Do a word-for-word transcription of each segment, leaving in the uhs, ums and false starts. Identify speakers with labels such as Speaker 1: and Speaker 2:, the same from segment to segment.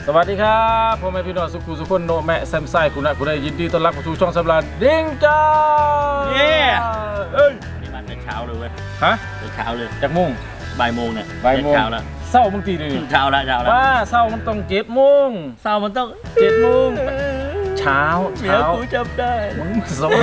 Speaker 1: สวัสดีครับพ่อแม่พี่น้องสุขุสุขคนโนแม่แซมไซคุณนะคุณได้ยินดีต้อนรับเข้าสู่ช่องสำราญดิ้งจ้า
Speaker 2: เย้เอ้ยนี่มันเป็นเช้าเลยเว้ย
Speaker 1: ฮะ
Speaker 2: เป็นเช้าเลย
Speaker 1: จากโมง
Speaker 2: บ่ายโมงเนี่ย
Speaker 1: บ่ายโมง
Speaker 2: เช้าแล้ว
Speaker 1: เศร้าบางทีเลย
Speaker 2: เช้าแล้วเช้าแล้ว
Speaker 1: ว่าเศร้ามันต้องเจ็ดโมง
Speaker 2: เช้ามันต้อง
Speaker 1: เจ็ดโมงเช้า
Speaker 2: เช้ากูจำได้
Speaker 1: มึงสม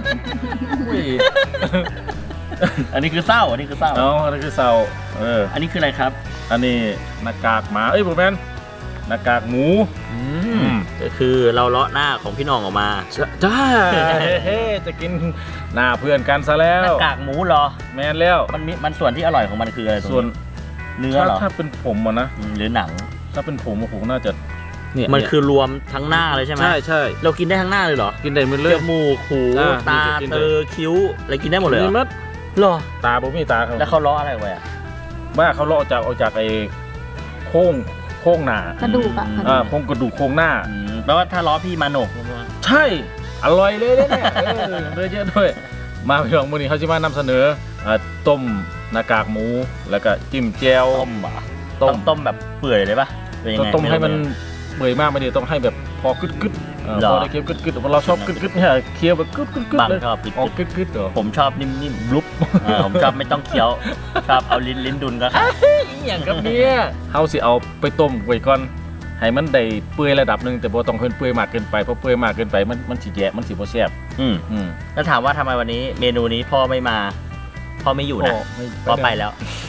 Speaker 2: อันนี้คือเศร้าอันนี้คือเศร้า
Speaker 1: อ๋ออันนี้คือเศร้าเออ
Speaker 2: อันนี้คืออะไรครับ
Speaker 1: อันนี้หน้ากากหมาเอ้ยผมแมนหน้ากากหมู
Speaker 2: ก็คือเราเลาะหน้าของพี่น้องออกมา
Speaker 1: จ้าเฮ้จะกินหน้าเพื่อนกันซะแล้ว
Speaker 2: หน้ากากหมูเหรอ
Speaker 1: แมนแล้ว
Speaker 2: มันมีมันส่วนที่อร่อยของมันคืออะไร
Speaker 1: ส่วน
Speaker 2: เนื้อเหรอ
Speaker 1: ถ้าเป็นผมอะนะ
Speaker 2: หรือหนัง
Speaker 1: ถ้าเป็นผมผมน่าจะ
Speaker 2: เนี่ยมันคือรวมทั้งหน้าเลยใช่ไหม
Speaker 1: ใช่ใช่
Speaker 2: เรากินได้ทั้งหน้าเลยเหรอ
Speaker 1: กินได้หมดเลย
Speaker 2: จมูกหูตาเตอคิ้วอะไรกินได้หมดเลย
Speaker 1: เหรอ
Speaker 2: หรอ
Speaker 1: ตาผมมีตาเขา
Speaker 2: แล้วเขาเลาะอะไรไว้อะ
Speaker 1: ว่าเขาเลาะจากเอาจากไอ้โค้งโค้งหน้าก
Speaker 3: ระดูกอะ
Speaker 1: อ่าโค้งกระดูกโค้งหน้า
Speaker 2: แปลว่าถ้าล้อพี่มาโหนก
Speaker 1: ใช่อร่อยเลยเนี่ยเออเลยเยอะด้วยมาพี่น้องมื้อนี้เขาจะมานำเสนอต้มหน้ากากหมูแล้วก็จิ้มแจ่ว
Speaker 2: ต้มบะต้มต้มแบบเปื่อยเลยปะ
Speaker 1: ต้องต้มให้มันเปื่อยมากไม่ดีต้องให้แบบพอกึดกึดพอได้เคี้ยวกึดกึดเราชอบกึดกึดเนี่ยเคี้ยวแบบกึดกึดกึดเลย
Speaker 2: ชอบ
Speaker 1: ออกกึดกึดเหรอ
Speaker 2: ผมชอบนิ่มๆลุบผมชอบไม่ต้องเคี้ยวชอบเอาลิ้นลิ้นดุนก็ค่ะ
Speaker 1: อย่างกับเนี้ยเขาสิเอาไปต้มไว้ก่อนให้มันได้เปื่อยระดับหนึ่งแต่บ่ต้องเพิ่นเปื่อยมากเกินไปเพราะเปื่อยมากเกินไปมันมันสิแย่มันสิบ่แซ่บ
Speaker 2: อืมอืมแล้วถามว่าทำไมวันนี้เมนูนี้พ่อไม่มาพ่อไม่อยู่นะพ่อไปแล้ว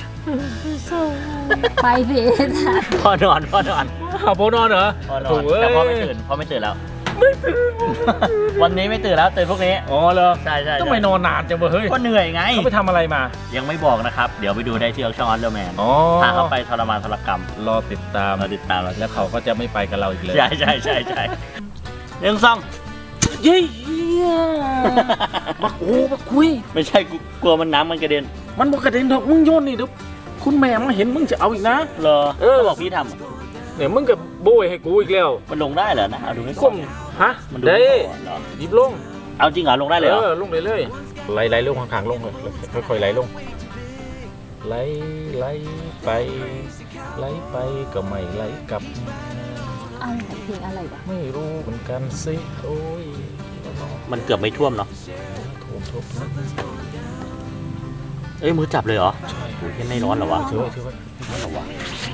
Speaker 3: ไปเพจ
Speaker 2: พ่อนอนพ่อนอน
Speaker 1: เอาพ่อนอนเหรอ
Speaker 2: พ่อนอนแต่พ่อไม่ตื่นพ่อไม่ตื่นแล้วไม่ตื่นวันนี้ไม่ตื่นแล้วตื่นพวกนี้
Speaker 1: อ๋อเหรอ
Speaker 2: ใช่ใช่
Speaker 1: ต้องไปนอนนานจังเฮ้ย
Speaker 2: ก็เหนื่อยไง
Speaker 1: เขาไปทำอะไรมา
Speaker 2: ยังไม่บอกนะครับเดี๋ยวไปดูได้ที่ช่องออนเดอร์แมนพาเขาไปทรมานทรกรรม
Speaker 1: รอติดตาม
Speaker 2: รอติดตาม
Speaker 1: แล้วเขาก็จะไม่ไปกับเราอีกเลย
Speaker 2: ใช่ใช่ใช่ใช่เรื่องซ่อง
Speaker 1: เย้มาโอ้มาคุย
Speaker 2: ไม่ใช่กลัวมันน้ำมันกระเด็น
Speaker 1: มันบอกกระเด็นดอกมึงโยนนี่เดี๋ยวคุณแม่มึงเห็นมึงจะเอาอีกนะ
Speaker 2: เหรอเออบอกพี่ทำ
Speaker 1: เนี่ยมึงกับโบยให้กูอีกแล้ว
Speaker 2: มันลงได้เหรอนะเอาดูให้
Speaker 1: ก่อนฮะ
Speaker 2: มัน
Speaker 1: ได้หยิบลง
Speaker 2: เอาจริงเหรอลงได้เลยเหรอ
Speaker 1: เออลงเลยเลยไหลไหลลงข้างๆลงเลยค่อยๆไหลลงไหลไหลไปไหลไปก็ไม่ไหลกลับ
Speaker 3: อะไรเพลงอะไรวะ
Speaker 1: ไม่รู้เหมือนกันสิโอ้ย
Speaker 2: มันเกือบไม่ท่วมเนาะ
Speaker 1: ท่วมท่วม
Speaker 2: เอ้ยมือจับเลยเหรอ
Speaker 1: ใช่
Speaker 2: โอ้ยไม่ร้อนหรอวะ
Speaker 1: เชื่อเชื่อว่า
Speaker 2: ร้อนหรอวะ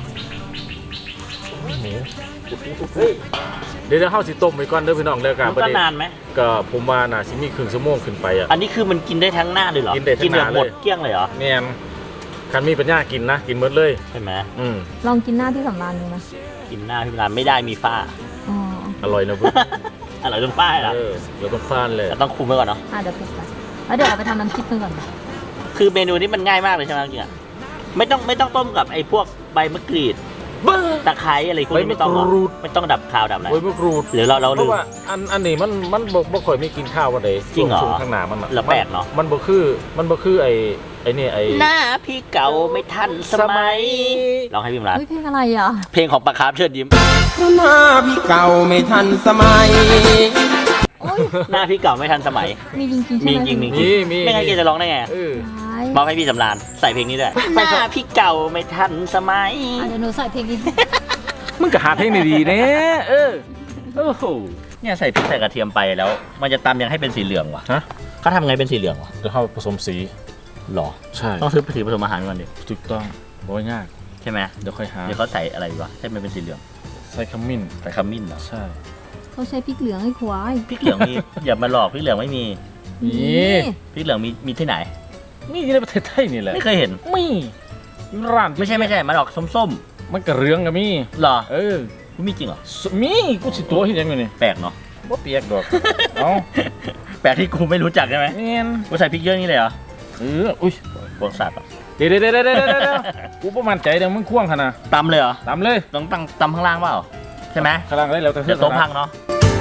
Speaker 1: หมูเฮ้ยเดี๋ยวเข้าสิต้มไปก่อนเด้อพี่น้องแล้วกัน
Speaker 2: ก็นานไหม
Speaker 1: ก็ผมว่าน่าสิมีครึ่งชั่วโมงขึ้นไปอ่ะ
Speaker 2: อันนี้คือมันกินได้ทั้งหน้าเลยเหรอ
Speaker 1: กินได้ทั้งหน้า
Speaker 2: หมดเกลี้ยงเลยเหรอ
Speaker 1: แม่นคันมีปัญญากินนะกินหมดเลย
Speaker 2: ใช่ไหม
Speaker 1: อืม
Speaker 3: ลองกินหน้าที่สำราญดูนะ
Speaker 2: กินหน้าที่สำราญไม่ได้มีฝ้า
Speaker 3: อ๋อ
Speaker 1: อร่อยนะเพื่อน
Speaker 2: อร่อยจนฝ้าเหรอ
Speaker 1: เออเดี๋ยวต้องฝ้าเลย
Speaker 2: ต้องคุมไว้ก่อนเนาะ
Speaker 3: อ่ะเดี๋ยวคุมไปแล้วเดี๋ยวเอาไปทำน้ำจิ้มก่อน
Speaker 2: คือเมนูนี้มันง่ายมากเลยใช่ไหมจริงอ่ะไม่ต้องไม่ต้องต้มกับไอ้พวกใบมะกรีดตะไคร้อะไรพวกนี้ไม่ต้องไม่ต้องดับคาวดับอะไร
Speaker 1: ใบมะกรูด
Speaker 2: หรือเราเรา
Speaker 1: เพราะว่าอันอันนี้มันมันบ่บ่ค่อยไม่กินข้าววันใด
Speaker 2: จริงเหรอ
Speaker 1: ข้างหน้ามันอ่ะ
Speaker 2: แล้วแปลกเนาะ
Speaker 1: มันบ่คือมันบ่คือไอ้ไอ้นี่ไอ้
Speaker 2: หน้าพี่เก่าไม่ทันสมัยลองให้พี่มรัน
Speaker 3: เพลงอะไรอ่ะ
Speaker 2: เพลงของปะคาร์ฟเชิญยิ้ม
Speaker 4: หน้าพี่เก่าไม่ทันสมัย
Speaker 2: หน้าพี่เก่าไม่ทันสมัย
Speaker 3: มีจริงจริง
Speaker 2: มีจริงมีจริงไม่งั้นแกจะร้องได้ไงมอบให้พี่สำราญใส่เพลงนี้ด้วยหน้าพี่เก่าไม่ทันสมัย
Speaker 3: เดี๋ยวหนูใส่เพลงนี้
Speaker 1: มึงก็หาเพลงดีๆเนี่ยเออโอ้โห
Speaker 2: เนี่ยใส่พริกใส่กระเทียมไปแล้วมันจะตำยังให้เป็นสีเหลืองวะ
Speaker 1: ฮะ
Speaker 2: เขาทำไงเป็นสีเหลืองวะ
Speaker 1: จะเข้าผสมสี
Speaker 2: หรอ
Speaker 1: ใช่
Speaker 2: ต้องซื้อสีผสมอาหารก่อนดิ
Speaker 1: ถูกต้องบ่ยาก
Speaker 2: ใช่ไหม
Speaker 1: เดี๋ยวค่อยหา
Speaker 2: เดี๋ยวเขาใส่อะไรวะให้มันเป็นสีเหลือง
Speaker 1: ใส่ขมิ้น
Speaker 2: ใส่ขมิ้นเหรอ
Speaker 1: ใช่
Speaker 3: เขาใช้พริกเหลืองให้ควาย
Speaker 2: พริกเหลืองมีอย่ามาหลอกพริกเหลืองไม่มี
Speaker 1: มี
Speaker 2: พริกเหลืองมีมีที่ไหน
Speaker 1: มีในประเทศไทยนี่แหละ
Speaker 2: ไม่เคยเห็น
Speaker 1: มีร้าน
Speaker 2: ไม่ใช่ไม่ใช่มันออกส้ม
Speaker 1: ๆมันกระเรืองก็มี
Speaker 2: หรอ
Speaker 1: เออ
Speaker 2: มีจริงเหรอ
Speaker 1: มีกูสิตัวที่ยังอยู่นี่
Speaker 2: แปลกเนาะ
Speaker 1: บ่เปียกดอกเอ้า
Speaker 2: แปลกที่กูไม่รู้จักใช่ไหม
Speaker 1: เนียน
Speaker 2: กูใส่พริกเยอะนี่เลยเหรอ
Speaker 1: เอออุ้ย
Speaker 2: พวกสัตว์
Speaker 1: เดี๋ยวเดี๋ยวเดี๋ยวเดี๋ยวเดี๋ยวกูประมาณใจเดี๋ยวมึงควงขนาด
Speaker 2: ตำเลยเหรอ
Speaker 1: ตำเลย
Speaker 2: ต้องตั้งตำข้างล่างเปล่าใช่ไหม
Speaker 1: ข้างล่างได้แล้วแต่
Speaker 2: เดี๋ยวโต๊ะพังเนาะ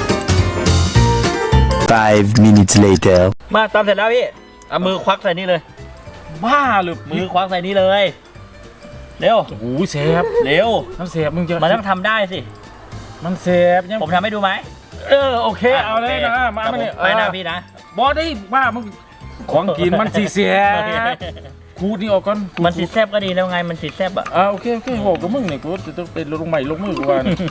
Speaker 4: five minutes later
Speaker 2: มาตำเสร็จแล้วพี่เอามือควักใส่นี่เลย
Speaker 1: บ้าหรือ
Speaker 2: มือควักใส่นี่เลยเร็ว
Speaker 1: โอ้ยเซฟ
Speaker 2: เร็ว
Speaker 1: มันเซฟมึงจะ
Speaker 2: มันต้องทำได้สิ
Speaker 1: มันเซฟ
Speaker 2: ผมทำให้ดูไหม
Speaker 1: เออโอเคเอาเลยนะมา
Speaker 2: ไปนะพี่นะ
Speaker 1: บอได้บ้ามึงของกินมันสีเสียกูนี่ออกก่อน
Speaker 2: มันสีแซบก็ดีแล้วไงมันสีแซบอ่ะ
Speaker 1: อ่าโอเคโอเคโหกับมึงเนี่ยกูจะต้องเป็นลงใหม่ลงมือกูว่า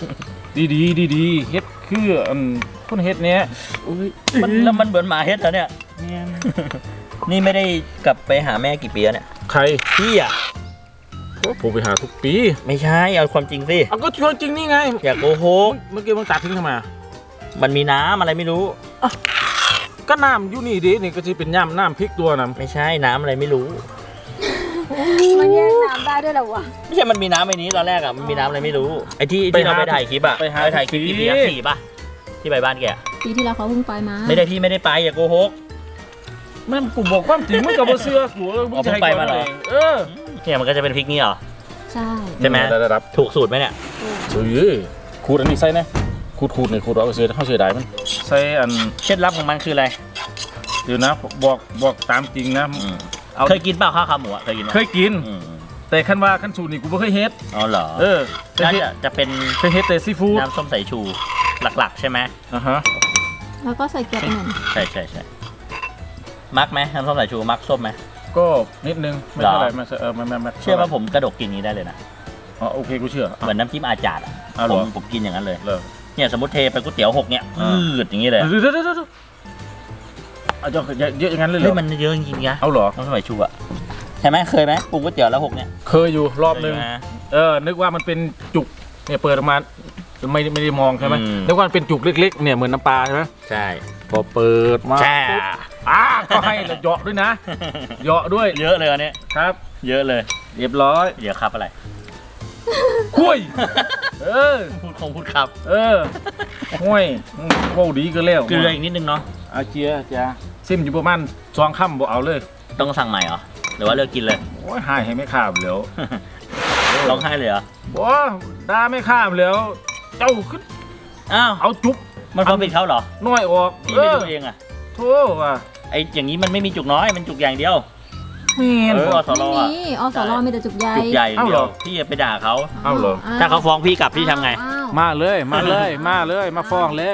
Speaker 1: ดีดีดีดีๆเฮ็ดคืออันคนเฮ็ดเนี้ยอุ้ย
Speaker 2: มันแล้วมันเหมือนหมาเฮ็ดแล้วเนี่ย
Speaker 1: เนี่ย
Speaker 2: นี่ไม่ได้กลับไปหาแม่กี่ปีแล้วเนี่ย
Speaker 1: ใคร
Speaker 2: พี่อ่ะ
Speaker 1: ผมไปหาทุกปี
Speaker 2: ไม่ใช่เอาความจริงสิ
Speaker 1: เอาก็ชวนจริงนี่ไง
Speaker 2: อย่าโกหก
Speaker 1: เมื่อกี้มึงตัดทิ้งทำไมอะ
Speaker 2: มันมีน้ำอะไรไม่รู้
Speaker 1: ก็น้ำอยู่นี่ดินี่ก็จะเป็นย่ำน้ำพริกตัวน้
Speaker 2: ไม่ใช่น้ำอะไรไม่รู้
Speaker 3: มันแยกน้ำได้ด้วยเหรอวะ
Speaker 2: ไม่ใช่มันมีน้ำไอ้นี้ตอนแรกอ่ะมันมีน้ำอะไรไม่รู้ไอ้ที่ที่เราไปถ่ายคลิปอ่ะไปถ่ายคลิปกี่ปีอะสี่ป่ะที่ไปบ้านแก
Speaker 3: ปีที่แล้วเขาเพิ่งไปมา
Speaker 2: ไม่ได้พี่ไม่ได้ไปอย่าโกหก
Speaker 1: ำแม่นกูบอกความจริงมึงกับบ่เสื้อกูเออมึงจะให้
Speaker 2: อ๋อเพิ่งไปมาเหรอ
Speaker 1: เออ
Speaker 2: เนี่ยมันก็จะเป็นพริกนี่เหรอ
Speaker 3: ใช่
Speaker 2: ใช่ไหม
Speaker 1: ได้รับ
Speaker 2: ถูกสูตรไหมเนี่ย
Speaker 1: เฮ้ยขูดอันนี้ใส่นะขูดขูดนี่ขูดเอาไปเสียเข้าเสียดายมันใส่อัน
Speaker 2: เคล็ดลับของมันคืออะไร
Speaker 1: เดี๋ยวนะบอกบอกตามจริงนะเอา
Speaker 2: เคยกินเปล่าข้าวขาหมูอ่ะเคยกินไหม
Speaker 1: เคยกิน
Speaker 2: อืม
Speaker 1: แต่ขั้นว่าขั้นสูตรนี่กูไม่เคยเฮ็ด
Speaker 2: อ๋อเหรอ
Speaker 1: เออเคย
Speaker 2: น่า
Speaker 1: เฮ็ด
Speaker 2: จะจะเป็น
Speaker 1: เคยเฮ็ดแต่ซีฟู้ด
Speaker 2: น้ำส้มสายชูหลักๆ ใช่ไหม
Speaker 1: อ่ะฮะ
Speaker 3: แล้วก็ใส่เกลือไปหน่อย
Speaker 2: ใช่ใช่ใช่มักไหมน้ำส้มสายชูมักส้มไหม
Speaker 1: ก็นิดนึงไม่
Speaker 2: เหรอ
Speaker 1: เท่าไหร่ไม่เออไม่ไม่ไม่
Speaker 2: เชื่อว่าผมกระดกกินนี้ได้เลยนะ
Speaker 1: อ๋อโอเคกูเชื่อ
Speaker 2: เหมือนน้ำจิ้มอาจารย์อะ
Speaker 1: อ้าวเห
Speaker 2: ผ
Speaker 1: รอ
Speaker 2: มผมกินอย่างนั้นเลย
Speaker 1: เลิก
Speaker 2: เนี่ยสมมติเทไปก๋วยเตี๋ยวหกเนี่ย
Speaker 1: อ่า
Speaker 2: อืดอย่างนี้เลย
Speaker 1: เดี๋ยวเดี๋ยวเดี๋ยวเดี๋ยวเอาจะเยอะอย่างนั้นเลยเหร
Speaker 2: เฮ้ย
Speaker 1: อ
Speaker 2: มันเยอะจริงๆนะ
Speaker 1: เอาเหรอ
Speaker 2: น้ำส้มสายชูอะใช่ไหมเคยไหมปรุงก๋วยเตี๋ยวแล้วหกเนี่ย
Speaker 1: เคยอยู่รอบนึง
Speaker 2: เคยไหม
Speaker 1: เออนึกว่ามันเป็นจุกเนี่ยเปิดออกมาไม่ไม่ได้มองใช่ไหม
Speaker 2: อืม
Speaker 1: นึกว่ามันเป็นจุกเล็กๆเนี่ยเหมือนน้ำปลาใช่ไหม
Speaker 2: ใช่
Speaker 1: พอเปิดมา
Speaker 2: แช่
Speaker 1: ปุ๊บอ่าก็ให้ละเหยาะด้วยนะเหยาะด้วย
Speaker 2: เยอะเลยอันเนี้ย
Speaker 1: ครับ
Speaker 2: เยอะเลย
Speaker 1: เรียบร้อย
Speaker 2: เดี๋ยวครับอะไร
Speaker 1: คุยเออ
Speaker 2: พูดคงพูดครับ
Speaker 1: เออห้วยอืมโว้ดีก็แล้ว
Speaker 2: เกลืออีกนิดนึงเนาะ
Speaker 1: อาเจียจ้าซิมอยู่ประมาณสองค่ำบ่เอาเลย
Speaker 2: ต้องสั่งใหม่เหรอหรือว่าเลิกกินเลย
Speaker 1: โอ้ยหายให้ไม่ข้ามแล้ว
Speaker 2: ร้องไห้เลยเหรอ
Speaker 1: บ่ด่าไม่ข้ามแล้ว เจ้าขึ้น
Speaker 2: อ้าว
Speaker 1: เอาจุก
Speaker 2: มันความผิดเขาเหรอ
Speaker 1: น้อยออก
Speaker 2: พี่
Speaker 1: เอ
Speaker 2: ไม่
Speaker 1: อ
Speaker 2: ดูเองอะ
Speaker 1: โธ่ว่ะ
Speaker 2: ไออย่างนี้มันไม่มีจุกน้อยมันจุกอย่างเดียว
Speaker 1: แม่น
Speaker 2: เออ
Speaker 1: บ่
Speaker 2: สโล
Speaker 3: ไม่
Speaker 2: อะ
Speaker 3: มีอสรมีแต่จุกใหญ่
Speaker 2: จุกใหญ่อย่างเดี
Speaker 1: เอ้าเหร
Speaker 2: ยว
Speaker 1: อ
Speaker 2: พี่อย่าไปด่าเขา
Speaker 1: เอ้าเหรอ
Speaker 3: ว
Speaker 2: ถ้าเขาฟ้องพี่กลับพี่ทำไง
Speaker 3: อ้าว
Speaker 1: มาเลยมาเลยมาเลยมาฟ้องเลย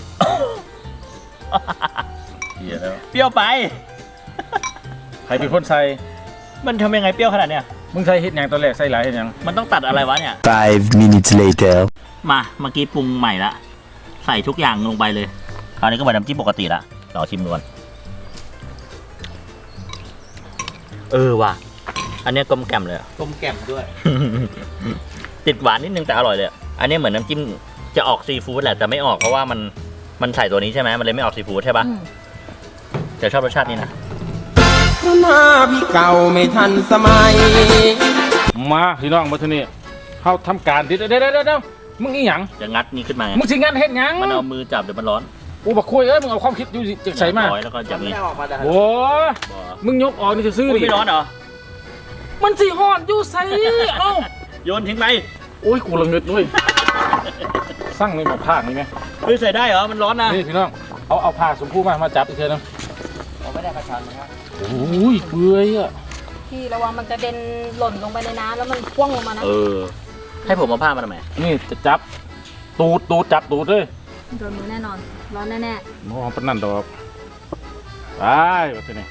Speaker 1: เหี้ยแล้ว
Speaker 2: เปรี้ยวไป
Speaker 1: ใครเป็นคนใส่
Speaker 2: มันทำยังไงเปรี้ยวขนาดเนี้ย
Speaker 1: มึงใส่เฮ็ดหยังตอนแรกใส่หลายเฮ็ดหยัง
Speaker 2: มันต้องตัดอะไรวะเนี่ย
Speaker 4: Five minutes later.
Speaker 2: มาเมื่อกี้ปรุงใหม่ละใส่ทุกอย่างลงไปเลยคราวนี้ก็เหมือนน้ำจิ้มปกติละรอชิมดูก่อนเออว่ะอันเนี้ยกลมแกล่มเลยอะ
Speaker 5: กลมแกล่มด้วย
Speaker 2: ติดหวานนิดนึงแต่อร่อยเลยอะอันนี้เหมือนน้ำจิ้มจะออกซีฟู้ดแหละแต่ไม่ออกเพราะว่ามันมันใส่ตัวนี้ใช่ไหมมันเลยไม่ออกซีฟู้ดใช่ปะ
Speaker 3: อืม
Speaker 2: แต่ชอบรสชาตินี้นะ
Speaker 4: หน้าพี่เก่าไม่ทันสมัย
Speaker 1: มาพี่น้องมาที่นี่เฮาทำการติดเดี๋ยวเดี๋ยวเดี๋ยวเดี๋ยวมึงอีหยัง
Speaker 2: จะงัดนี้ขึ้นมาไง
Speaker 1: มึงสิงานเฮ็ดหยัง
Speaker 2: มันเอามือจับเดี๋ยวมันร้อน
Speaker 1: กูบอกคุยเอ้ยมึงเอาความคิดอยู่สิจะใส่มา
Speaker 2: ร้อยแล้วก็จับนี้
Speaker 1: โอ้ยมึงยกออกนี่จะซื้อ
Speaker 2: อุ้ย
Speaker 1: ดิ
Speaker 2: ไม่ร้อนเหรอ
Speaker 1: มันสิฮอดอยู่ใส่เอ้า
Speaker 2: โยนทิ้งไป
Speaker 1: โอ้ยกูละเงิดด้วยสั่งในหมอผ้านี่ไหม
Speaker 2: เฮ้ยใส่ได้เหรอมันร้อนนะ
Speaker 1: นี่พี่น้องเอาเอาผ้าสมพู่มามาจับอีกเทีนึง
Speaker 5: ผมไม่ได้ประชันนะครับ
Speaker 1: โอ้ยเปื่อยอ่ะ
Speaker 3: พี่ระวังมันกระเด็นหล่นลงไปในน้ำแล้วมันพ่วงลงมานะ
Speaker 2: เออให้ผมเอาผ้ามาทำไม
Speaker 1: นี่จะจับตูดตูดจับตูดเลย
Speaker 3: โดนมือแน่นอน ร้อนแน่
Speaker 1: มองปานนั่นดอกไปว่าจะนี่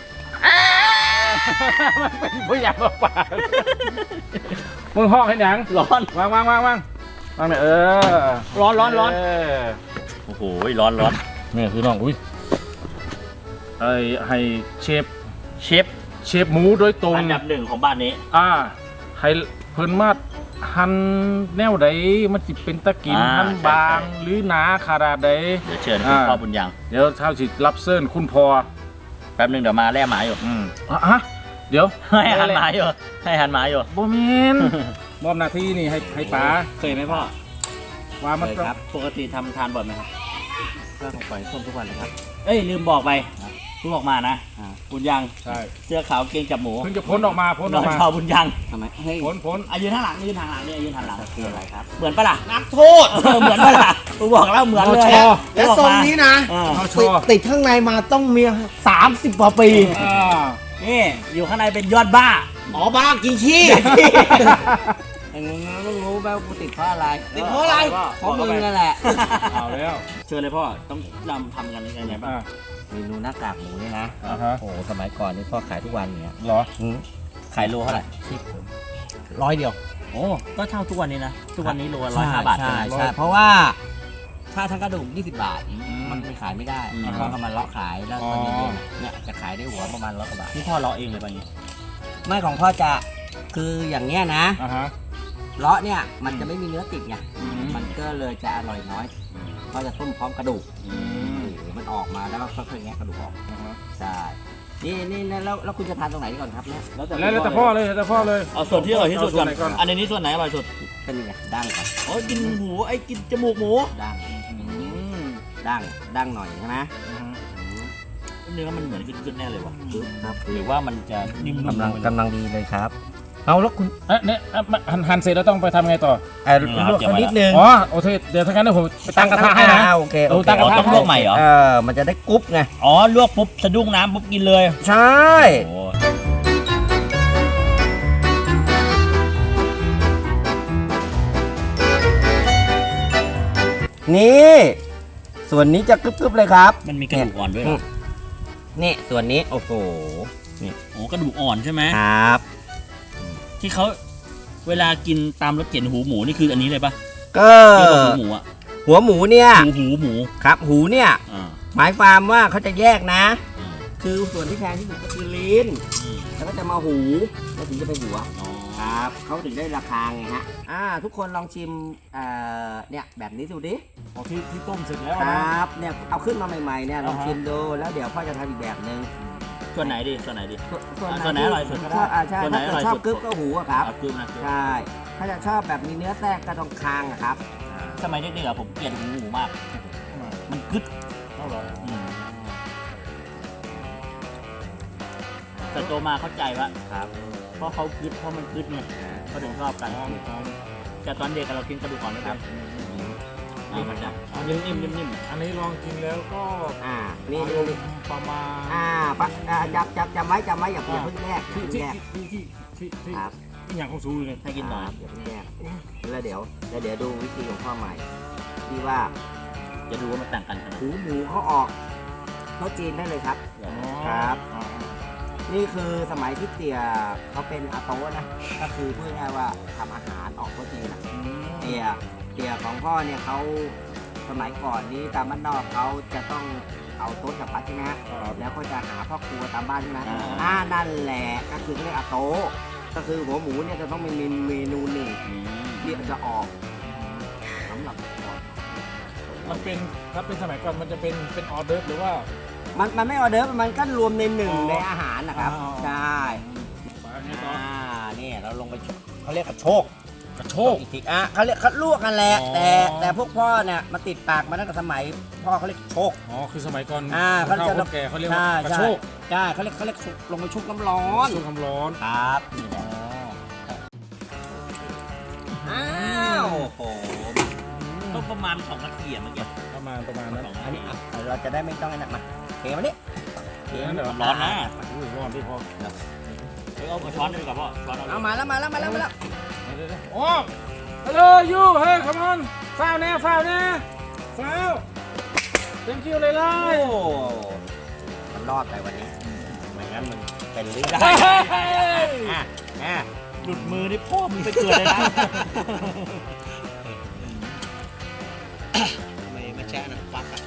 Speaker 1: มันเป็นผู้ใหญ่มาป่ามึงห้องให้หยัง
Speaker 2: ร้อน
Speaker 1: วางวางวางวางวางเนี่ยเออ
Speaker 2: ร้อนร้อนร้อน
Speaker 1: เ
Speaker 2: โอ้โหร้อนร้อน
Speaker 1: นี่พี่น้องอุ้ยไอให้เชฟ
Speaker 2: เชฟ
Speaker 1: เชฟหมูโดยตรง
Speaker 2: อันดับหนึ่งของบ้านนี้
Speaker 1: อ่าให้เพิ่นมาหั่นแนวใดมันสิเป็นตะกิน
Speaker 2: อ่า
Speaker 1: หั่นบาง
Speaker 2: ใช่ใช่
Speaker 1: หรือหนาขนาดใด
Speaker 2: เดี๋ยวเชิญคุณ
Speaker 1: อ่า
Speaker 2: พ่อบุญยัง
Speaker 1: เดี๋ยวเท้าสิรับเซิร์นคุณพอ
Speaker 2: แป๊บหนึงเดี๋ยวมาแล่หมาอยู่
Speaker 1: อืมอ่ะฮะเดี๋ยว
Speaker 2: ให้หันหมาอยู่ให้หันหมาอยู่
Speaker 1: บ่แม่น มอบหน้าที่นี่ให้ให้ป๋า
Speaker 2: เคยไหมพ่อ
Speaker 1: ว่ามัน
Speaker 2: เคย
Speaker 1: ต้อง
Speaker 2: ครับปกติทำทานบ่อยไหมครับก็ต้องไปท่วมทุกวันเลยครับเอ้ยลืมบอกไปเพิ่งออกมานะบุญยัง
Speaker 1: ใช่
Speaker 2: เสื้อขาวเกงจับหมู
Speaker 1: เพิ่งจะพ้นออกมาพ้น
Speaker 2: น
Speaker 1: อ
Speaker 2: อ
Speaker 1: อน กมา
Speaker 2: ชอบุญยัง
Speaker 5: ทำไมเฮ้ย
Speaker 1: พ้นพ้น
Speaker 2: อายืนข้างหลังยืนทางหลังเนี่ยยืนทางหลัง
Speaker 5: คืออะไรครับ
Speaker 2: เหมือนปะล่ะ
Speaker 5: นักโทษ
Speaker 2: เออเหมือนปะล่ะกูบอกแล้วเหมือนเลย
Speaker 1: นอชอ
Speaker 5: และทรงนี้นะ
Speaker 2: อ่า
Speaker 1: เอาช
Speaker 5: ติด
Speaker 1: อ
Speaker 5: ติดข้างในมาต้องมีสามสิบกว่าปี
Speaker 1: อ่า
Speaker 2: นี่อยู่ข้างในเป็นยอดบ้า
Speaker 5: อ๋อบ้ากินขี้
Speaker 2: ไอ้มึงต้องรู้แม่กูติดเพราะอะไร
Speaker 5: ติดเพราะอะไรเพราะมึงนั่นแหละ
Speaker 1: เอาแล้ว
Speaker 2: เชิญเลยพ่อต้องนำทำกันยังไงบ้าง
Speaker 1: อ่า
Speaker 5: เมนูหน้ากากหมูนี่นะ
Speaker 1: อ่าฮะ
Speaker 5: โอ้สมัยก่อนนี่พ่อขายทุกวันอย่างเงี้ย
Speaker 1: เหรอ
Speaker 2: ขายโลเท่าไหร่
Speaker 5: ร้อยเดียว
Speaker 2: โอ้ก็เท่าทุกวันนี้นะทุกวันนี้โลละร้อยห้าบาท
Speaker 5: ใช่
Speaker 2: ไหม
Speaker 5: ใช่เพราะว่าถ้าทั้งกระดูกยี่สิบบาท
Speaker 1: อืม
Speaker 5: มันไปขายไม่ได้
Speaker 2: อืม
Speaker 5: พ่อก็มาเลาะขายแล้ว
Speaker 1: อ๋อ
Speaker 5: ตอนเย็นๆเนี่ยจะขายได้หัวประมาณร้อยกว่าบาท
Speaker 2: นี่พ่อเลาะเองเลยป่ะอย่างงี้
Speaker 5: ไม่ของพ่อจะคืออย่างเนี้ยนะ
Speaker 1: อ่าฮะ
Speaker 5: เลาะเนี่ยมันจะไม่มีเนื้อติดไง
Speaker 1: อืม
Speaker 5: มันก็เลยจะอร่อยน้อยพ่อจะต้มพร้อมกระดูก
Speaker 1: อืม
Speaker 5: โอ้โหมันออกมาแล้วก็ค่อยๆแงะกระดูกออก
Speaker 1: อ่าฮะ
Speaker 5: ใช่นี่นี่แล้วแล้วคุณจะทานตรงไหนก่อนครับเนี่ย
Speaker 1: แล้วแต่พ่อเลยแล้วแต่พ่อเลย
Speaker 2: เอาส่วนที่อร่อยที่สุดก่อน
Speaker 1: เอาส่วนไหนก่อน
Speaker 2: อันนี้ส่วนไหนอร่อยสุด
Speaker 5: ก็นี่ไงดั้งก่อน
Speaker 2: โอ้ยกินหูไอ้กินจมูกหมู
Speaker 5: ดั้ง
Speaker 1: อืม
Speaker 5: ดั้งดั้งหน่อยใช่ไหม
Speaker 1: อ่าฮะ
Speaker 2: เนื้อมันเหมือนขึ้นๆแน่เลยว่ะ
Speaker 5: ครับ
Speaker 2: หรือว่ามันจะนิ่มๆ
Speaker 5: กำลัง
Speaker 2: ไปเลย
Speaker 5: กำลังดีเลยครับ เอาแล้วคุณ
Speaker 1: เอ๊ะเนี่ยเอ๊ะหั่นหั่นเสร็จแล้วต้องไปทำไงต่อ
Speaker 5: เอ่อ
Speaker 2: นี่ครับ
Speaker 5: ลวก
Speaker 2: เดี๋ยว
Speaker 5: เขา
Speaker 2: มา
Speaker 5: นิดนึง
Speaker 1: อ๋อโอเคเดี๋ยวถ้างั้นเดี๋ยวผมไปตั้งกระทะให้นะ
Speaker 5: อ่าโอเค
Speaker 1: เอ
Speaker 5: โอ
Speaker 1: อ
Speaker 5: เค
Speaker 1: ตั้งกระทะ
Speaker 2: ต้องลวกใหม่เหรอ
Speaker 5: เออมันจะได้กรุ๊ปไง
Speaker 2: อ๋อลวกปุ๊บสะดุ้งน้ำปุ๊บกินเลย
Speaker 5: ใช่
Speaker 2: โอ้
Speaker 5: นี่ ส่วนนี้จะกรึบๆเลยครับ
Speaker 2: มันมีกระดูกอ่อนด้วยเหรอ
Speaker 5: นี่ส่วนนี้โอ้โห
Speaker 2: โอ้กระดูกอ่อนใช่ไหม
Speaker 5: ครับ
Speaker 2: ที่เขาเวลากินตามรถเข็นหูหมูนี่คืออันนี้เลยปะ
Speaker 5: ก็
Speaker 2: ที่ว่าหูหมูอ่ะ
Speaker 5: หัวหมูเนี่ย
Speaker 2: หูหูหมู
Speaker 5: ครับหูเนี่ย
Speaker 2: อ่า
Speaker 5: หมายความว่าเขาจะแยกนะ
Speaker 2: อืม
Speaker 5: คือส่วนที่แพงที่สุดก็คือลิ้น
Speaker 2: อืม
Speaker 5: แล้วก็จะมาหูแล้วถึงจะเป็นหัว
Speaker 2: อ๋อ
Speaker 5: ครับเขาถึงได้ราคาไงฮะอ่าทุกคนลองชิมเอ่อเนี่ยแบบนี้ดูดิ
Speaker 1: อ๋อที่ที่ต้มเสร็จแล้ว
Speaker 5: ค
Speaker 1: นะ
Speaker 5: รับเนี่ยเอาขึ้นมาใหม่ๆเนี่ยลอง
Speaker 1: อ่าฮะ
Speaker 5: ชิมดูแล้วเดี๋ยวพ่อจะทำอีกแบบหนึ่ง
Speaker 2: ส่วนไหนดีส่วนไหนดี
Speaker 5: ส่วน
Speaker 2: อ่าส่วนไหนอร่อยสุดก็ได้
Speaker 5: ชอบอ่าใช่
Speaker 2: ส่วนไหน
Speaker 5: ถ้า
Speaker 2: อร่อย
Speaker 5: เกิดชอ
Speaker 2: สุ
Speaker 5: บ
Speaker 2: ด
Speaker 5: กึ๊บก็หูอะครับ
Speaker 2: เอากลืมนะ
Speaker 5: ใช่ ถ้าจะชอบแบบมีเนื้อแทรกก็ตรงคางอะครับ
Speaker 2: สมัยเด็กๆอะผมเกลียดหูหมูมาก มันกึด
Speaker 1: เอาเหรอ
Speaker 2: อืมแต่โตมาเข้าใจว่า
Speaker 5: ครับ
Speaker 2: เพราะเขากึดเพราะมันกึดไงเขาถึงชอบกัน
Speaker 1: อ๋ออ๋อ
Speaker 2: แต่ตอนเด็กเรากินกระดูกอ่อนไม่เป็นนี่มันจะ
Speaker 1: อัน
Speaker 2: นิ่
Speaker 1: นี้
Speaker 2: มๆนิ่ม
Speaker 1: อันนี้ลองกินแล้วก็
Speaker 5: อ่านี่นี่นี่
Speaker 1: ประมาณ
Speaker 5: อ่าปะอ่าจับจับจำไว้จำไว้อย่าอย่า
Speaker 1: อ่า
Speaker 5: เพิ่งแยกอย่า
Speaker 1: ที่
Speaker 5: เพิ่ง
Speaker 1: ที่
Speaker 5: แยก
Speaker 1: ที่ที่ที่ที่
Speaker 5: ครับ
Speaker 1: ที่อย่างของซูเลย
Speaker 2: ๆให้กินหน่อย
Speaker 5: ครับอย่าเพิ่งแยกแล้วเดี๋ยวแล้วเดี๋ยวดูวิธีของพ่อใหม่ที่ว่า
Speaker 2: จะดูว่ามันต่างกันขนาดไหน
Speaker 5: หูหมูเขาออกโต๊ะจีนได้เลยครับ ครับ
Speaker 1: อ๋อ
Speaker 5: นี่คือสมัยที่เตี่ยเขาเป็นอาโต้นะ ก็คือพูดง่ายๆว่าทำอาหารออกโต๊ะจีนนะ
Speaker 1: อืม
Speaker 5: เตี่ยเตี่ยของพ่อเนี่ยเขาสมัยก่อนนี้ตามบ้านนอกเขาจะต้องเอาโต๊ะกับพัดใช่ไหมฮะ
Speaker 1: ครับ
Speaker 5: แล้วก็จะหาพ่อครัวตามบ้านใช่ไหม
Speaker 2: อ่า
Speaker 5: อ่านั่นแหละก็คือเขาเรียกอาโต้ก็คือหัวหมูเนี่ยจะต้องมีเมนูหนึ่ง
Speaker 2: อืม
Speaker 5: ที่จะออกสำหรับก่อน
Speaker 1: มันเป็นถ้าเป็นสมัยก่อนมันจะเป็นเป็นออเดิร์ฟหรือว่า
Speaker 5: มันมันไม่ออเดิร์ฟมันก็รวมในหนึ่ง
Speaker 1: อ๋อ
Speaker 5: ในอาหารนะครับ
Speaker 1: อ๋อ
Speaker 5: ใช่
Speaker 1: ปลาเนี่ยต่อ
Speaker 5: อ่านี่เราลงไปชเขาเรียกกระโชก
Speaker 1: กระโชก
Speaker 5: อีกทีอ่ะเขาเรียกเขาลวกกันแหละ
Speaker 1: อ๋อ
Speaker 5: แต่แต่พวกพ่อเนี่ยมาติดปากมาตั้งแต่สมัยพ่อเขาเรียกโชก
Speaker 1: อ๋อคือสมัยก่อน
Speaker 5: อ่า
Speaker 1: เขา
Speaker 5: เขาจะ
Speaker 1: คนแก่เขาเรียกว่า
Speaker 5: ใช่
Speaker 1: กระ
Speaker 5: ใช่
Speaker 1: โชก
Speaker 5: ใช่เขาเรียกเขาเรียกลงไปชุบน้ำร้อน
Speaker 1: โชกความร้อน
Speaker 5: ครับนี่แหละอ้าวโอ้โห
Speaker 2: ต้องประมาณสองนาทีอะเมื่อกี้
Speaker 1: ประมาณประมาณนั้น
Speaker 5: อันนี้อ่ะเราจะได้ไม่ต้องไอ้นั่นมาเทมาดิเท
Speaker 1: เดี๋ยว
Speaker 2: ร้อนนะ
Speaker 1: อุ้ยร้อนที่พอ
Speaker 2: เฮ้ยเอาเอาช้อนดีกว่าพ่อช้อนเอา
Speaker 5: เอามาแล้วมาแล้วมาแล้วมาแล้ว
Speaker 1: เดี๋ยวๆโอ้ฮัลโหลยูเฮ้ย come on ฟาวแน่ฟาวแน่ฟาว thank you เลยเล
Speaker 5: โอ้
Speaker 1: ย
Speaker 5: มันรอดไปวันนี้ไม่งั้นมันเป็นเรื่อง
Speaker 1: เฮ้ย
Speaker 5: อ่ะอ่ะ
Speaker 2: หลุดมือนี่พ่อมึงไปเกิดเลยนะ
Speaker 5: ไม่ไม่แช่นะฟักอ่ะ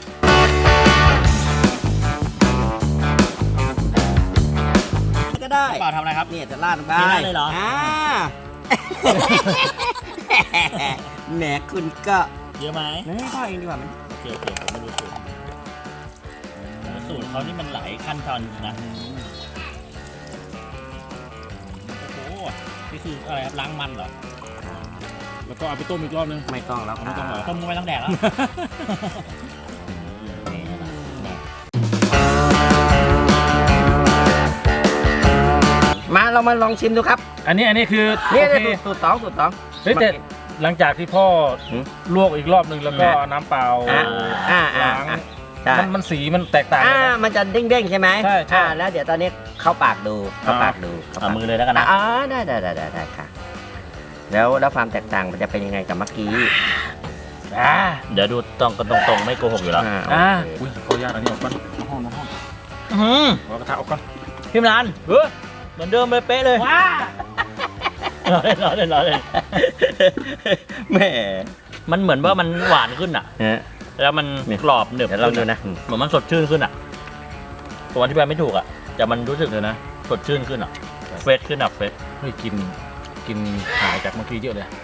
Speaker 5: ก็ได้
Speaker 2: เปล่าทำอะไรครับ
Speaker 5: เนี่ยจะลาดลงไป
Speaker 2: เทราดเลยเหรออ่
Speaker 5: า แหมคุณก็
Speaker 2: เยอะไหม
Speaker 5: นี่พ่อเองดีกว่ามัน
Speaker 2: โอเคโอเคผมไม่รู้สูตรโอ้สูตรเขานี่มันหลายขั้นตอนจริงนะโอ้โหนี่คืออะไรครับล้างมันเหรอ
Speaker 1: แล้วก็เอาไปต้มอีกรอบนึง
Speaker 5: ไม่ต้องแล้ว
Speaker 1: ไม่ต้องเหรอ
Speaker 2: ต้มไม่ต้องแดกแล้ว
Speaker 5: มาเรามาลองชิมดูครับ
Speaker 1: อันนี้อันนี้คือ
Speaker 5: นี่
Speaker 1: โอ
Speaker 5: นี่
Speaker 1: เค
Speaker 5: สูตรสองสูตรสอง
Speaker 1: เฮ้ยแต่หลังจากที่พ่อ
Speaker 5: หืม
Speaker 1: ลวกอีกรอบนึงแล้วก็
Speaker 5: อ่า
Speaker 1: เอาน้ำเปล่า
Speaker 5: อ่าอ่าอ่า
Speaker 1: ล้าง
Speaker 5: อ่าใช่
Speaker 1: มันมันสีมันแตกต่าง
Speaker 5: อ่า
Speaker 1: กันนะ
Speaker 5: มันจะเด้งๆใช่ไหม
Speaker 1: ใช่ใช่
Speaker 5: อ่าแล้วเดี๋ยวตอนนี้เข้าปากดูเข้า
Speaker 1: อ่า
Speaker 5: ปากดูเข้า
Speaker 2: เอา
Speaker 5: ปาก
Speaker 2: มือเลยแล้วกันนะ
Speaker 5: อ่าได้ได้ได้ได้ได้ค่ะ แล้วแล้วความแตกต่างมันจะเป็นยังไงกับเมื่อกี้
Speaker 1: อ่า
Speaker 2: เดี๋ยวดูตรงกันตรงๆไม่โกหกอยู่แล้ว
Speaker 5: อ่า
Speaker 1: อ่า
Speaker 5: โอเค
Speaker 1: อุ้ยขออนุญาตอันนี้ออกก่อนเอาห้องเอาห้อง
Speaker 2: อื้อหือ
Speaker 1: เอากระทะออกก่อน
Speaker 2: พี่มรัน
Speaker 1: เฮ้ย
Speaker 2: เหมือนเดิมเลยเป๊ะเลย
Speaker 1: ว้า
Speaker 2: ร้อนเลยร้อนเลยร้อนเลย
Speaker 5: แหม
Speaker 2: มันเหมือนว่ามันหวานขึ้นอ่ะ
Speaker 5: ฮะ
Speaker 2: แล้วมันกรอบหนึบ
Speaker 5: เดี๋ยวลองดูนะ
Speaker 2: เหมือนมันสดชื่นขึ้นอ่ะผมอธิบายไม่ถูกอ่ะแต่มันรู้สึก
Speaker 1: เดี๋ยวนะ
Speaker 2: สดชื่นขึ้นอ่ะเฟสขึ้นอ่ะเฟส
Speaker 1: เฮ้ยกินกินหายจากเมื่อกี้เยอะเลย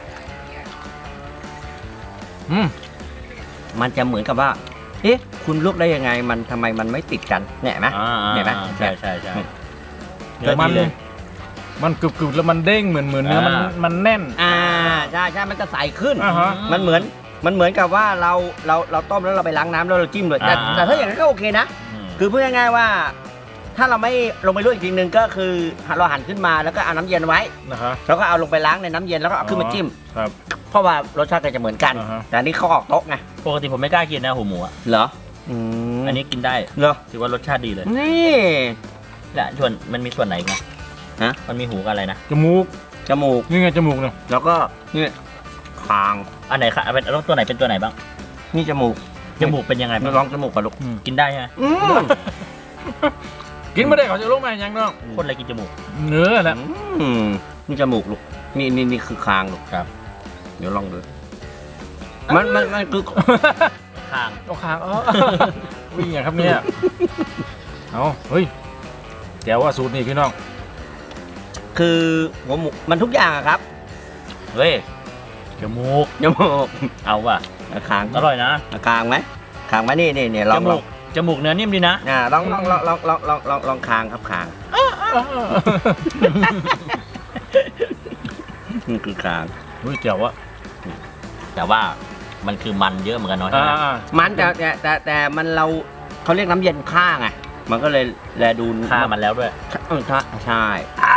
Speaker 1: อืม
Speaker 5: มันจะเหมือนกับว่า เอ๊ะ คุณลวกได้ยังไง มันทำไมมันไม่ติดกันเนี่ยเห็นไหม
Speaker 2: อ่า
Speaker 5: เห็นไหม
Speaker 2: ใช่ใช่ใช่
Speaker 1: แต่มัน
Speaker 2: เนื้อดีเลย
Speaker 1: มันกรึบๆแล้วมันเด้งเหมือนเหมือนเนื้อมัน
Speaker 2: อ่า
Speaker 1: มันแน่น
Speaker 5: อ่า ใช่ใช่มันจะใสขึ้น
Speaker 1: อ่าฮะ
Speaker 5: มันเหมือน มันเหมือนกับว่าเรา เรา เราต้มแล้วเราไปล้างน้ำแล้วเราจิ้มเลย แต่
Speaker 2: อ่า
Speaker 5: แต่ถ้าอย่างนั้นก็โอเคนะ
Speaker 2: ม
Speaker 5: คือพูดง่ายๆว่า ถ้าเราไม่ลงไปลวกอีกทีนึงก็คือเราหั่นขึ้นมาแล้วก็เอาน้ำเย็นไว้
Speaker 1: นะครับ
Speaker 5: แล้วก็เอาลงไปล้างในน้ำเย็นแล้วก็เอาขึ้นมาจิ้ม
Speaker 1: ครับ
Speaker 5: เพราะว่ารสชาติก็จะเหมือนกัน
Speaker 1: อ่าฮะ
Speaker 5: แต่อันนี้เขาออกโต๊ะไง
Speaker 2: ปกติผมไม่กล้ากินนะหูหมูอ่ะ
Speaker 5: เหรอ อืม
Speaker 2: อันนี้กินได้
Speaker 5: เหรอ
Speaker 2: ถือว่ารสชาติดีเลย
Speaker 5: นี่
Speaker 2: และส่วนมันมีส่วนไหนอีกนะ
Speaker 5: ฮะ
Speaker 2: มันมีหูกับอะไรนะ
Speaker 1: จมูก
Speaker 5: จมูก
Speaker 1: นี่ไงจมูกเนี่ย
Speaker 5: แล้วก็นี่คาง
Speaker 2: อันไหนคะเป็นตัวไหนเป็นตัวไหนบ้าง
Speaker 5: นี่จมูก
Speaker 2: จมูกเป็นยังไงบ้าง
Speaker 5: ลองจมูกก่อนลูก
Speaker 2: กินได้ใช่ไหม
Speaker 5: อืม
Speaker 1: กินไม่ได้เขาจะลงมาอย่างน้อง
Speaker 2: คนอะไรกินจมูก
Speaker 1: เนื้อแหละ
Speaker 5: อืมนี่จมูกลูก นี่นี่นี่คือคางลูก
Speaker 2: ครับ
Speaker 5: เดี๋ยวลองดู มันมันมันคือ
Speaker 2: ข้าง
Speaker 1: เอาคางอ๋อ วิ่งอย่างครับเนี่ยเอาเฮ้ยแจ๋วว่าสูตรนี่พี่น้อง
Speaker 5: คือหัวหมูมันทุกอย่างอะครับ
Speaker 2: เฮ้ยจมูก
Speaker 5: จมูก
Speaker 2: เอาว่ะ
Speaker 5: คาง
Speaker 2: อร่อยนะ
Speaker 5: คางไหมคางไหมนี่นี่นี่ล
Speaker 2: จ
Speaker 5: องล
Speaker 2: มู
Speaker 5: อง
Speaker 2: กจมูกเนื้อนิ่มดีนะ
Speaker 5: อ่าลองลองลองลองลองลองลองลองคางครับคางนี่คือคาง
Speaker 1: เฮ้ยแจ๋วอะ
Speaker 2: แต่ว่ามันคือมันเยอะเหมือนกันเนาะใช่
Speaker 1: อ่า
Speaker 2: ไหม
Speaker 1: อ่า
Speaker 5: มันแต่แต่แต่แต่มันเราเขาเรียกน้ำเย็นฆ่าไงมันก็เลยแลดู
Speaker 2: ฆ่ามันแล้วด้วย
Speaker 5: เออใช่ใช่
Speaker 1: อ่า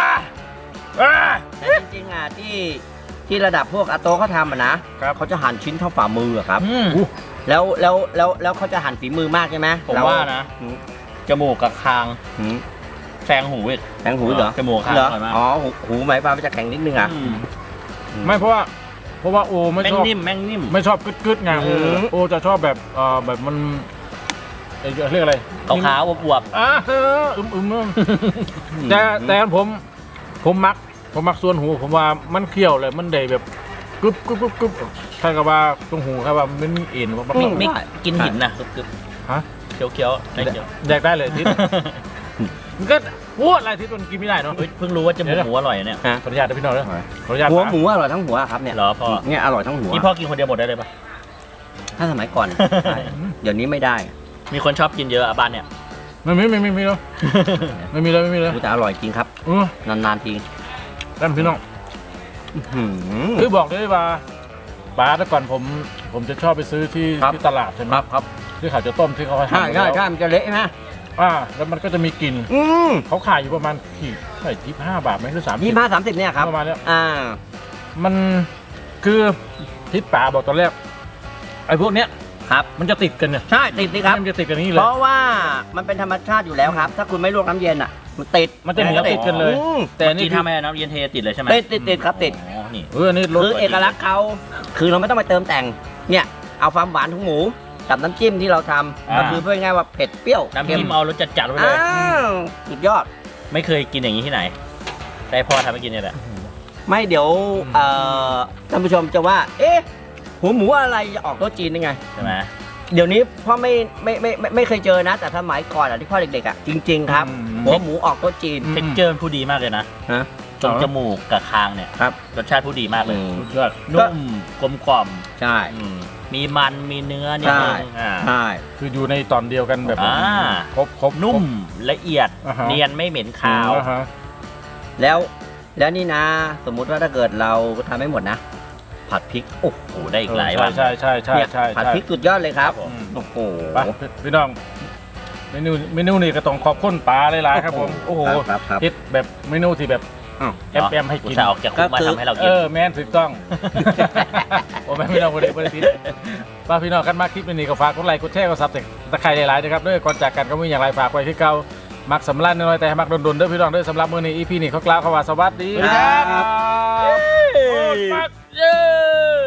Speaker 5: แต่จริงๆอ่ะที่ที่ระดับพวกอาโต้เขาทำอ่ะนะครับ เขาจะหั่นชิ้นเท่าฝ่ามืออะครับ
Speaker 2: อืม
Speaker 5: แล้วแล้วแล้วแล้วเขาจะหั่นฝีมือมากใช่ไหม
Speaker 2: ผม
Speaker 5: เร
Speaker 2: ว่านะ
Speaker 5: หืม
Speaker 2: จมูกกับคาง
Speaker 5: หืม
Speaker 2: แซงหูอีก
Speaker 5: แทงหูเหรอ
Speaker 2: จมูกคาง
Speaker 5: เหรอ
Speaker 2: อร่อยมาก
Speaker 5: อ๋อหูหูหมายความว่าจะแข็งนิดนึงอ่ะ
Speaker 2: อืม
Speaker 1: ไม่เพราะว่าเพราะว่าโอไม่
Speaker 2: แม่ง
Speaker 1: ชอบ
Speaker 2: นิ่มแม่งนิ่ม
Speaker 1: ไม่ชอบกึดๆไง
Speaker 5: อืม
Speaker 1: โอจะชอบแบบเอ่อแบบมันเอ่อเรียกอะไร
Speaker 2: ขาวๆอวบ
Speaker 1: อ่าเอออึมอึมอึมแต่แต่ผมผมมักผมมักส่วนหูผมว่ามันเคี้ยวเลยมันได้แบบกึบกึบกึบกึบใช่กับว่าตรงหูครับว่ามันเอ็นว่า
Speaker 2: ๆไม่ไม่กินหินนะกึบ
Speaker 1: ฮะ
Speaker 2: ๆเคี้ยวๆไม่เคี้ยว
Speaker 1: แดกได้เลยทิศมันก็พูดอะไรทิศมันกินไม่ได้เนาะ
Speaker 2: เฮ้ยเพิ่งรู้ว่าจมูกหมูอร่อยเนี่ย
Speaker 5: ฮะ
Speaker 1: ขออนุญาตนะพี่น้องเลยขออนุญาต
Speaker 5: หัว
Speaker 1: นะ
Speaker 5: หมูอร่อยทั้งหัวครับเนี่ย
Speaker 2: เหรอพ่อ
Speaker 5: เนี่ยอร่อยทั้งหัว
Speaker 2: นี่พ่อกินคนเดียวหมดได้เลยปะ
Speaker 5: ถ้าสมัยก่อนใช่เดี๋ยวนี้ไม่ได้
Speaker 2: มีคนชอบกินเยอะอะบ้านเนี่ย
Speaker 1: ไม่มีไม่มีไม่มีแล้วไม่มีเลยไม่มีเลย
Speaker 5: กูแต่อร่อยจริงครับ
Speaker 1: เออน
Speaker 5: านๆที
Speaker 1: นั่นพี่น้อง
Speaker 5: อื้อหือ
Speaker 1: คือบอกเลยว่าป้าแต่ก่อนผมผมจะชอบไปซื้อที่
Speaker 5: ครับ
Speaker 1: ที่ตลาดใช่ไหม
Speaker 5: ครับครับ
Speaker 1: ที่เขาจะต้มที่เขา
Speaker 5: ใช่
Speaker 1: ทำ
Speaker 5: ใช่
Speaker 1: แล้ว
Speaker 5: ใช่มันจะเละไหม
Speaker 1: อ่าแล้วมันก็จะมีกลิ่น
Speaker 5: อืม
Speaker 1: เขาขายอยู่ประมาณกี่เท่าไหร่ยี่สิบห้าบาทไหมหรือสามสิบ
Speaker 5: ยี่ห้าสามสิบเนี่ยครับ
Speaker 1: ประมาณเนี้ย
Speaker 5: อ่า
Speaker 1: มันคือทิศป๋าบอกตอนแรกไอ้พวกเนี้ย
Speaker 5: ครับ
Speaker 1: มันจะติดกันเนี่ย
Speaker 5: ใช่ติดสิครับ
Speaker 1: มันจะติดกันอย่างนี้เล
Speaker 5: เพ
Speaker 1: ย
Speaker 5: ราะว่ามันเป็นธรรมชาติอยู่แล้วครับ ถ้าคุณไม่ลวกน้ำเย็นอ่ะ มันติด
Speaker 1: มันจะเหนียวติดกันเลย
Speaker 5: อืม
Speaker 1: แต่อัน
Speaker 2: นี่
Speaker 1: นี่
Speaker 2: ถ้าไม่น้ำเย็นเทติดเลยใช่ไหม
Speaker 5: ติดติดติดครับติด
Speaker 2: อ๋อนี่
Speaker 1: เอออันนี้รส
Speaker 5: คือเอกลักษณ์เขาคือเราไม่ต้องไปเติมแต่ง เนี่ยเอาความหวานของหมูกับน้ำจิ้มที่เราทำก็คือเพื่อง่ายๆว่าเผ็ดเปรี้ยว
Speaker 2: น้ำ
Speaker 5: เค็
Speaker 2: จิ้
Speaker 5: ม
Speaker 2: มเอารสจัดๆไว้เล
Speaker 5: อ้าย วสุดยอด
Speaker 2: ไม่เคยกินอย่างนี้ที่ไหนแต่พ่อทำให้กินเนี่ยแหละ
Speaker 5: ไม่เดี๋ยวเอ่อท่านผู้ชมจะว่า เอ๊ะหัวหมูอะไรจะออกโต๊ะจีนได้ไง
Speaker 2: ใช่ไหม
Speaker 5: เดี๋ยวนี้พ่อไม่ไม่ไม่ไม่ไม่เคยเจอนะ แต่สมัยก่อนอ่ะที่พ่อเด็กๆอ่ะจริง ๆ ครับ หัวหมูออกโต๊ะจีน
Speaker 2: เท็กเจอร์ผู้ดีมากเลยนะ
Speaker 5: ฮะ
Speaker 2: ตรงจมูกกับคางเนี่ย
Speaker 5: ครับ
Speaker 2: รสชาติผู้ดีมากเลย
Speaker 5: อืม
Speaker 1: สุดยอด
Speaker 2: นุ่มกลมกล่อม
Speaker 5: ใช่
Speaker 2: อืมมีมันมีเนื้อนิดนึงอ่า
Speaker 5: ใช่
Speaker 1: คืออยู่ในตอนเดียวกันแบบ
Speaker 2: อ่า
Speaker 1: ครบครบ
Speaker 2: นุ่มละเอียด
Speaker 1: อ่าฮะ
Speaker 2: เนียนไม่เหม็น
Speaker 1: ครั
Speaker 2: คาว
Speaker 1: อ่าฮะ
Speaker 5: แล้วแล้วนี่นะ สมมุติว่าถ้าเกิดเราทำไม่หมดนะ ผัดพริกโอ้โห
Speaker 2: โอ้ได้อีกหลายวัน
Speaker 1: ใช่ใช่ใช่
Speaker 5: เนี่ย
Speaker 1: ใช่
Speaker 5: ผัด
Speaker 1: ใช่
Speaker 5: พริกสุดยอดเลยครับ
Speaker 1: อืม
Speaker 5: โอ้โห
Speaker 1: ไปพี่น้องเมนูเมนูนี่ก็ต้องขอบคุณป๋าหลายๆครับผมโอ้โห
Speaker 5: ครับครับ
Speaker 1: คิดแบบเมนูที่แบบ
Speaker 5: อ้าว
Speaker 1: แอมแอมให้
Speaker 2: อุ
Speaker 1: กิ
Speaker 2: ต
Speaker 1: น
Speaker 2: ส่าห์ออกจากคุกมา
Speaker 5: ก็คือ
Speaker 2: ทำให้เรา
Speaker 1: เอ
Speaker 2: กิน
Speaker 1: อแม่นถูกต้อง โอ้แม่พี่น้องคนนี้คนนี้ป้าพี่น้องกันมากคลิปนี้ก็ฝากกดไลค์กดแชร์กดซับตะไคร้หลายๆนะครับด้วยก่อนจากกันก็มีอย่างไรฝากไว้ที่เก่ามักสำลักน้อยแต่ให้มักโดนๆเด้อพี่น้องเด้อสำหรับมื้อนี้อีพีนี้เขากล่าวคำว่าสวัสดีครับ
Speaker 5: ครับ
Speaker 1: โอ้ยปักเย้